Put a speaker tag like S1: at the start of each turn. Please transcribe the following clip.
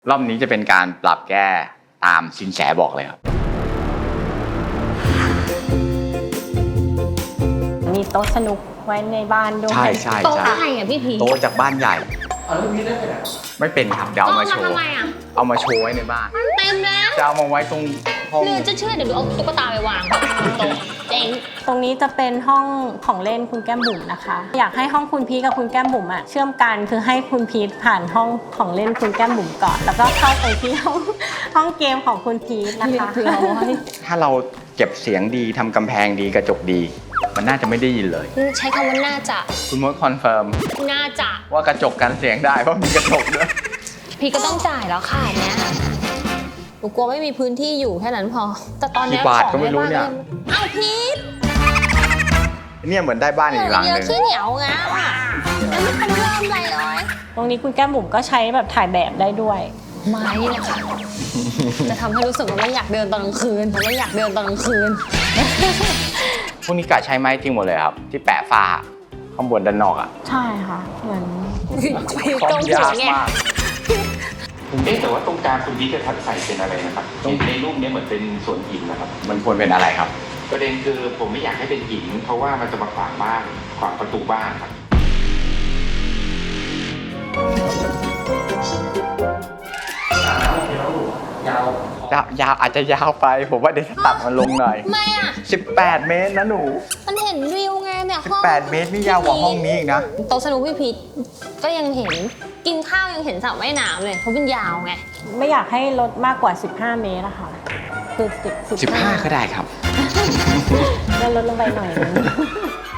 S1: รอบนี้จะเป็นการปรับแก้ตามสินแสบอกเลยครับ
S2: มีโต๊ะสนุกไว้ในบ้านด้วย
S1: ใช่ใช่
S3: โต๊ะ
S1: ใช่
S3: อะไรอ่ะพี่พี
S1: โต๊ะจากบ้านใหญ่ไม่เป็นครับเดี๋ยวเอามาโชว์
S3: ทำไมอ่ะ
S1: เอามาโชว์ไว้ในบ้าน
S3: เต็มแล้ว
S1: จะเอามาไว้ตรงห้อง
S3: หรือจะเชื่อเดี๋ยวดูเอาตุ๊กตาไปวางบนโต๊ะเจ๋ง
S2: ตรงนี้จะเป็นห้องของเล่นคุณแก้มบุ๋มนะคะ อยากให้ห้องคุณพีทกับคุณแก้มบุ๋มอะเชื่อมกันคือให้คุณพีทผ่านห้องของเล่นคุณแก้มบุ๋มก่อน แล้วก็เข้าไปที่ห้องเกมของคุณพีทนะคะ
S1: ถ้าเราเก็บเสียงดีทำกำแพงดีกระจกดี มันน่าจะไม่ได้ยินเลย
S3: ใช้คำว่าน่าจะ
S1: คุณมดคอนเฟิร์ม
S3: น่าจะ
S1: ว่ากระจกกันเสียงได้เพราะมีกระจกด้วย
S3: พี่ก็ต้องจ่ายแล้วค่ะเนี้ยหนูกลัวไม่มีพื้นที่อยู่แค่นั้นพอ แต่ตอนเนี้ย
S1: กี่บาทก็ไม่รู้เนี่ย
S3: เอ้าพีท
S1: เนี่ยเหมือนได้บ้านอีกหลัง
S3: เย
S1: ห
S3: อะ
S1: นึ่ง
S3: ขี้เหนียวงะแล้วไม่ทันเริ่มอะไรเลย
S2: ตรงนี้คุณแก้มบุ๋มก็ใช้แบบถ่ายแบบได้ด้วย
S3: ไม้นี่แหละค่ะจะทำให้รู้สึกว่าไม่อยากเดินตอนกลางคืนไม่อยากเดินตอนกลางคืน
S1: พวกนี้กะใช้ไม้จริงหมดเลยครับ ที่แปะฝ้าข้างบนด้านนอกอ่ะ
S2: ใช่ค่ะเหมือน
S3: พีท
S1: ซ่อ
S3: ตร
S1: ม
S3: งหั
S1: ยาว ก
S3: ไง
S1: มาก
S4: แต่ว่าตรงกลางคุณพีจะทัดใส่เป็นอะไรนะครับในรูปนี้เหมือนเป็นสวนหินนะครับ
S1: มันควรเป็นอะไรครับ
S4: ประเด็นคือผมไม่อยากให้เป็นหิน เพราะว่ามันจะมาขวางบ้านขวางประตูบ้านครับ
S1: ยาวอาจจะยาวไป ผมว่าเดี๋ยวจะตัดมันลงหน่อย
S3: ทำไมอ่ะ
S1: 18 เมตรนะหนู
S3: มันเห็นวิวไงเนี่ยห้อง
S1: 18 เมตรนี่ยาวกว่าห้องนี้อีกนะ
S3: โต๊ะสนุกพี่พีทก็ยังเห็นกินข้าวยังเห็นสระว่ายน้ำเลยเพราะเป็นยาวไง
S2: ไม่อยากให้ลดมากกว่า 15 เมตรนะคะคือ15
S1: 15 ก็ได้ครับ
S2: แล้วลดลงไปหน่อยนึง